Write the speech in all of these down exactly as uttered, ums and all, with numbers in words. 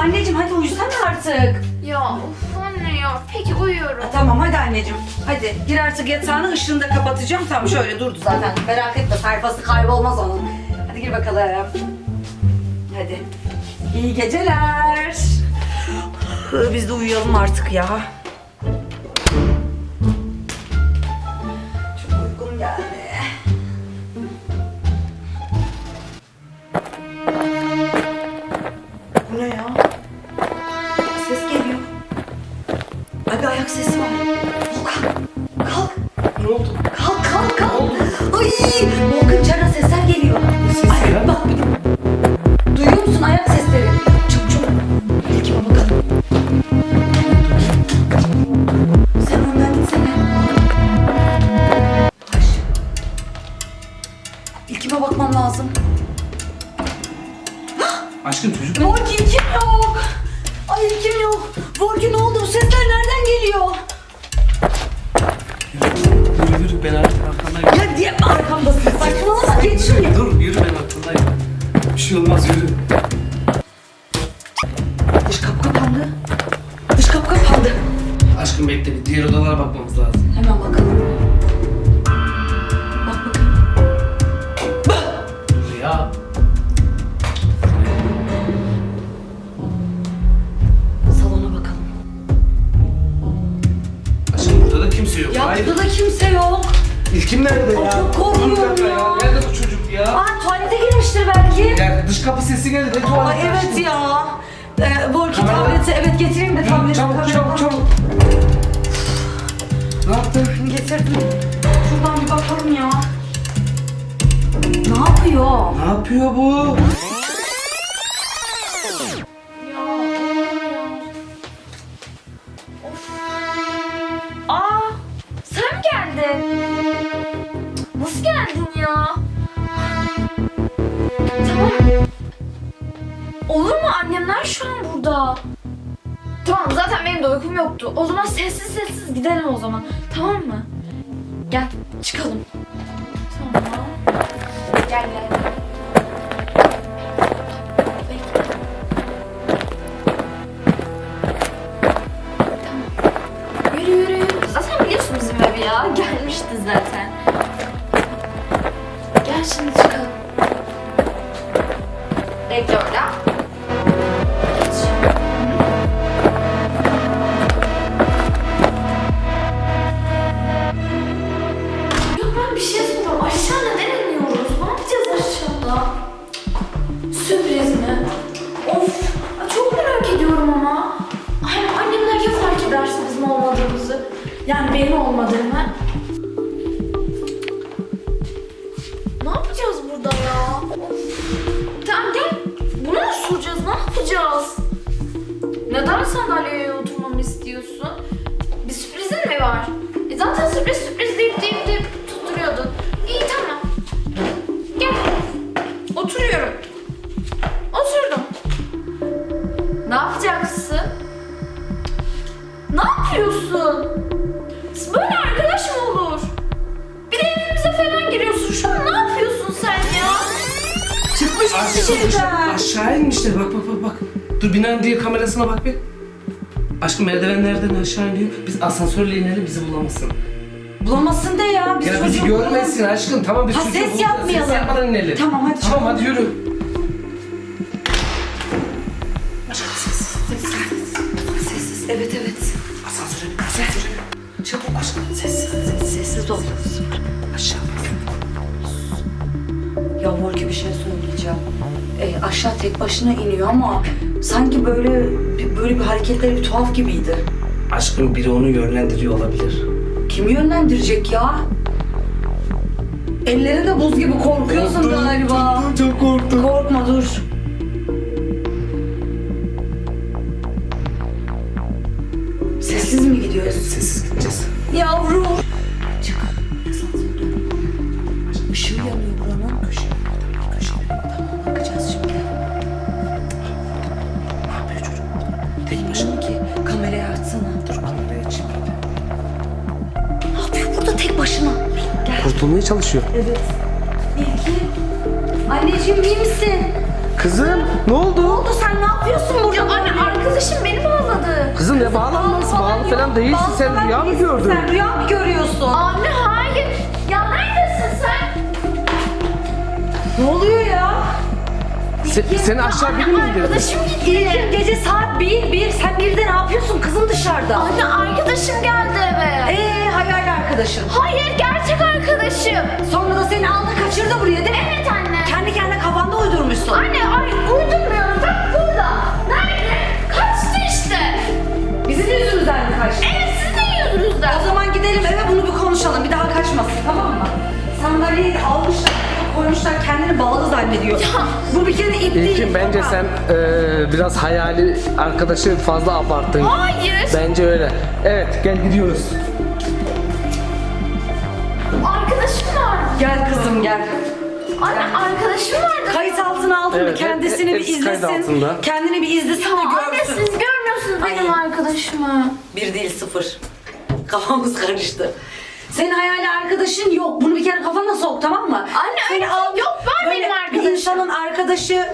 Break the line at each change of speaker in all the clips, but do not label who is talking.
anneciğim hadi uyusana artık.
Ya of anne ya. Peki uyuyorum.
Ha, tamam hadi anneciğim. Hadi gir artık yatağına, ışığını da kapatacağım. Tamam şöyle durdu zaten. Merak etme, sayfası kaybolmaz onun. Hadi gir bakalım. Hadi. İyi geceler. Hı, Biz de uyuyalım artık ya. Çok uykum geldi. Bu ne ya? Ses geliyor. Ay bir ayak sesi var. Volkan kalk.
Ne oldu?
Kalk kalk kalk. Ay Volkan içeriden sesler geliyor.
Ses
Ay
ya.
bak bir. Duyuyor musun ayak sesleri? Çabuk çabuk. İlkime bakalım. Sen önden gitsene. Yavaş. İlkime bakmam lazım.
Aşkım çocuk.
Volkan ilkim yok. Ay ilkim yok. Volkan ne oldu? Bu sesler nereden geliyor?
Yürü yürü ben artık arkandayım.
Ya diye mi arkamdasın? Saçmalama geç şuraya.
Dur yürü ben arkandayım. Bir şey olmaz yürü.
Dış kapı kapandı. Dış kapı kapandı.
Aşkım bekle bir diğer odalara bakmamız lazım.
Hemen bakalım. Bak bakayım.
Dur ya.
Salona bakalım.
Aşkım burada da kimse yok.
Ya
Hayır.
burada da kimse yok.
İlkim nerede
Ay,
ya?
çok korkuyorum
Dur bir dakika
ya.
Nerede bu çocuk ya?
Aa tuvalete girmiştir belki.
Ya dış kapı sesi geldi. Ne tuvalete?
Aa evet
aşkım?
ya. Ee, Volkan
Kamera.
tableti evet getireyim de
Yürü,
tableti.
çabuk
kamera-
çabuk çabuk. Ne yaptın?
Getirdim. Şuradan bir bakalım ya. Ne yapıyor?
Ne yapıyor bu?
Ya of. Aa sen mi geldin? Nasıl geldin ya? Tamam. Olur mu? Annemler şu an burada. Tamam zaten benim de uykum yoktu. O zaman sessiz sessiz gidelim o zaman. Tamam mı? Gel çıkalım. Tamam. Gel gel. Bekle. Tamam. Yürü yürü yürü. Zaten biliyorsun bizim evi ya. Gelmişti zaten. Gel şimdi çıkalım. Bekle orada. Geç. Ya ben bir şey soracağım. Aşağı neden iniyoruz? Ne yapacağız aşağıda? Sürpriz mi? Of! Ay, çok merak ediyorum ama. Ay annemler ya fark ederse bizim olmadığımızı. Yani benim olmadığımı. Ne yapacağız burada ya? Of. Tamam gel. Bunu mu soracağız? Ne yapacağız? Neden sandalyeye oturmamı istiyorsun? Bir sürprizin mi var? E zaten sürpriz sürpriz deyip deyip deyip tutturuyordun. İyi tamam. Gel. Oturuyorum. Oturdum. Ne yapacaksın? Ne yapıyorsun? Böyle arkadaş mı olur? Bir de evimize falan giriyorsun. Şu an ne yapıyorsun sen ya?
Çıkmış mı
Aşağı,
şeyden?
aşağı inmişler. Bak bak bak bak. Dur binanın diğer kamerasına bak bir. Aşkım merdivenlerden aşağı iniyor. Biz asansörle inelim bizi bulamasın.
Bulamazsın de ya. Biz
Ya bizi
çocuğu
görmesin aşkım. Tamam biz
Ha,
çocuğu
ses
bulacağız.
yapmayalım.
Ses yapmadan inelim.
Tamam, hadi
Tamam
çıkalım.
hadi yürü. Aşkım sessiz. Sessiz.
Sessiz. Evet evet.
Asansöre bin. Asansöre bin.
Çabuk aşkım. Sessiz. Sessiz, sessiz ol.
Aşağı bak.
Ya Volki bir şey söyleyeceğim. Ee, aşağı tek başına iniyor ama sanki böyle böyle bir hareketleri bir tuhaf gibiydi.
Aşkım biri onu yönlendiriyor olabilir.
Kim yönlendirecek ya? Elleri de buz gibi korkuyorsun galiba.
Çok korktum.
Korkma dur. Sessiz mi gidiyoruz?
Sessiz gideceğiz.
Yavrum. Çık. Asansörden. Işığı yanıyor buranın. Köşe. Köşe. Tamam bakacağız şimdi.
Ne yapıyor çocuk burada? Tek başına.
Bilmiyorum ki. Kamerayı açsana.
Dur kamerayı açayım.
Ne yapıyor burada tek başına? Gel.
Kurtulmaya çalışıyor.
Evet. İlki. Anneciğim iyi misin?
Kızım ne oldu?
Ne oldu sen ne yapıyorsun burada?
Ya anne arkadaşım beni bağladı.
Kızım ne bağlanması? Bağlı falan değilsin.
Bağlı
Sen
falan
rüya mı
değilsin.
gördün?
Sen rüya mı görüyorsun?
Anne hayır. Ya neredesin sen?
Ne oluyor ya?
Se- seni aşağı biri mi indirdi?
Arkadaşım gitti.
İlkin gece saat bir, bir. Sen birde ne yapıyorsun kızım dışarıda?
Anne arkadaşım geldi eve.
Eee hayal arkadaşın.
Hayır gerçek arkadaşım.
Sonra da seni aldı kaçırdı buraya değil mi?
Evet anne.
Kendi kendine kafanda uydurmuşsun.
Anne ay uydurmuyorum. Bak burada. Nerede? Kaçtı işte.
Bizim yüzümüzden mi kaçtı?
Evet sizin yüzünüzden.
O zaman gidelim eve bunu bir konuşalım. Bir daha kaçmasın tamam mı? Sandalyeyi de almışlar, koymuşlar kendini bağlı zannediyor. Bu bir kere ip değil.
İlkin bence
baba.
sen eee, biraz hayali arkadaşı fazla abarttın.
Hayır.
Bence öyle. Evet gel gidiyoruz.
Arkadaşım var.
Gel kızım gel.
Anne arkadaşım vardı.
Kayıt altına aldın mı?
Evet,
Kendisini
hep-
bir
hepsi kayıt
izlesin.
altında.
Kendini bir izlesin de
Anne
görsün.
siz görmüyorsunuz benim
Ay.
arkadaşımı.
Bir değil sıfır. Kafamız karıştı. Senin hayali arkadaşın yok. Bunu bir kere kafana sok tamam mı?
Anne,
Seni
öyle bir şey yok. Var
böyle
benim
Bir
arkadaşım.
insanın arkadaşı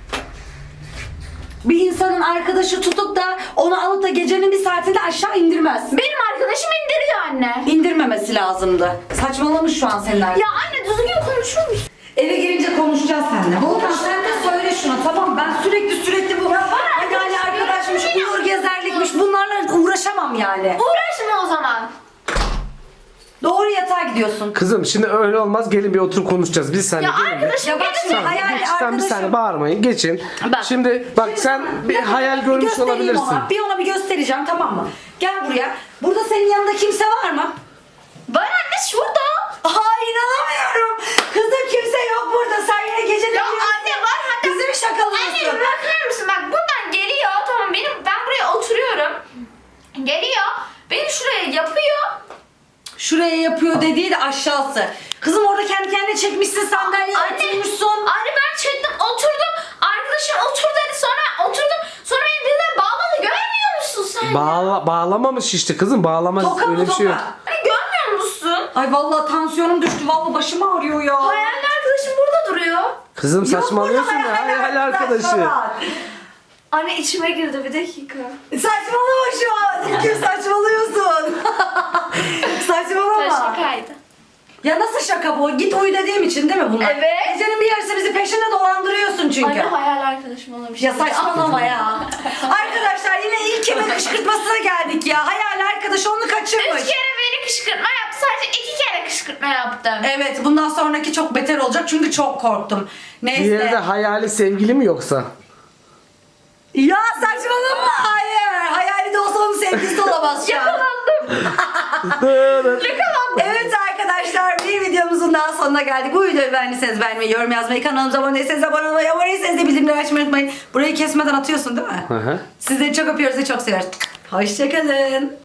bir insanın arkadaşı tutup da onu alıp da gecenin bir saatinde aşağı indirmez.
Benim arkadaşım indiriyor anne.
İndirmemesi lazımdı. Saçmalamış şu an senin arkadaşın.
Ya anne düzgün konuşur musun?
Eve girince konuşacağız seninle. Volkan sen de söyle şuna tamam ben sürekli sürekli bu hayali arkadaşmış, uyur gezerlikmiş bunlarla uğraşamam yani.
Uğraşma o zaman.
Doğru yatağa gidiyorsun.
Kızım şimdi öyle olmaz. Gelin bir oturup konuşacağız. Biz seninle
Ya
gelin bir.
arkadaşım
Ya bak
gelecek.
şimdi hayali
Geç, tamam, bir saniye
arkadaşım.
bağırmayın. Geçin.
Bak.
Şimdi bak sen bir hayal görmüş
Göstereyim
olabilirsin.
Ona. Bir ona bir göstereceğim tamam mı? Gel buraya. Burada senin yanında kimse var mı?
Var anne şurada.
Aha inanamıyorum. Kızım kimse yok burada. Sen yine gece
Ya anne var hatta.
Bizi mi
Anne
şakalıyorsun?
bir bakar mısın? Bak buradan geliyor. Tamam benim ben buraya oturuyorum. Geliyor. Beni şuraya yapıyor.
Şuraya yapıyor dediği de aşağısı. Kızım orada kendi kendine çekmişsin sandalyeye
Anne.
oturmuşsun.
Anne ben çektim oturdum. Arkadaşım otur dedi sonra oturdum. Sonra beni birden bağladı. Görmüyor musun sen?
Bağla, bağlamamış işte kızım. Bağlamaz.
Toka mı
Öyle bir şey yok.
toka?
Anne görmüyor musun?
Ay vallahi tansiyonum düştü. Vallahi başım ağrıyor ya.
Hayalli arkadaşım burada duruyor.
Kızım
Yok
saçmalıyorsun
burada
ya. Hayal arkadaşı.
var.
Anne içime girdi bir dakika.
Saçmalama şu an. İlkim saçmalıyorsun. Saçmalama.
Şakaydı.
Ya nasıl şaka bu? Git uyu dediğim için değil mi bunlar?
Evet.
Gecenin bir yarısı bizi peşinde dolandırıyorsun çünkü.
Anne hayal arkadaşım olamış.
Ya saçmalama ya. Arkadaşlar yine ilk kime kışkırtmasına geldik ya. Hayal arkadaş onu kaçırmış.
Üç kere beni kışkırtma yaptı. Sadece iki kere kışkırtma yaptım.
Evet bundan sonraki çok beter olacak çünkü çok korktum. Neyse.
Diğeri de hayali sevgili mi yoksa?
Ya saçmalama hayır. Hayali de olsa onun sevgilisi olamaz şu an.
Yakalandım.
Evet arkadaşlar bir videomuzun daha sonuna geldik. Bu videoyu beğendiyseniz beğenmeyi, yorum yazmayı, kanalımıza abone değilseniz abone olmayı, abone değilseniz de bildirimleri açmayı unutmayın. Burayı kesmeden atıyorsun değil mi?
Hı hı.
Sizleri çok öpüyoruz ve çok seviyoruz. Hoşçakalın.